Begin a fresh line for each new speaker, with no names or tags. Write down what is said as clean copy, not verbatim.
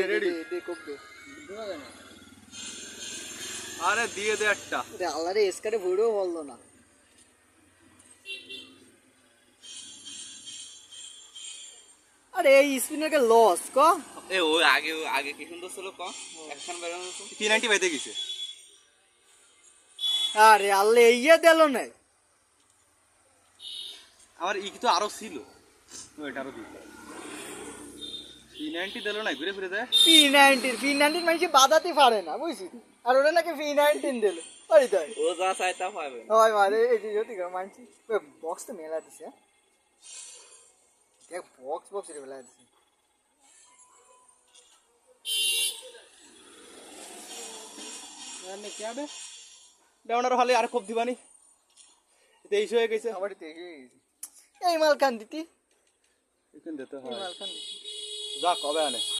ready
দে কোপ দে
আরে দিয়ে দে একটা
রে আল্লাহ রে এসকারে ভুড়ো বললো না আরে এই স্পিনার কে লস ক
এ ও আগে কি সুন্দর ছিল ক একখান বেরোনো তো
390 বাইতে গেছে
আরে আল্লাহ ইয়ে দিল না
আমার ই তো আরো ছিল ওইটা আরো দিই 390 দিল না ঘুরে ফিরে যায়
P90 মানে বাদাতে পারে না বুঝছিস আর ওরা নাকি P19 দিল ওই তাই
ও যা চাই তা পাবে
ওই মারে এই যে জ্যোতি কর মানছি বক্স তো মেলা দিছে দেখ বক্স রে মেলা দিছে
মানে কি হবে ডাউনার হলে আর খুব দিবানি 23 হয়ে গেছে
আমার তো এই মাল কান দিতি
এখান দিতে
এই
হয়
মাল কান দিতি
যা কবে আনে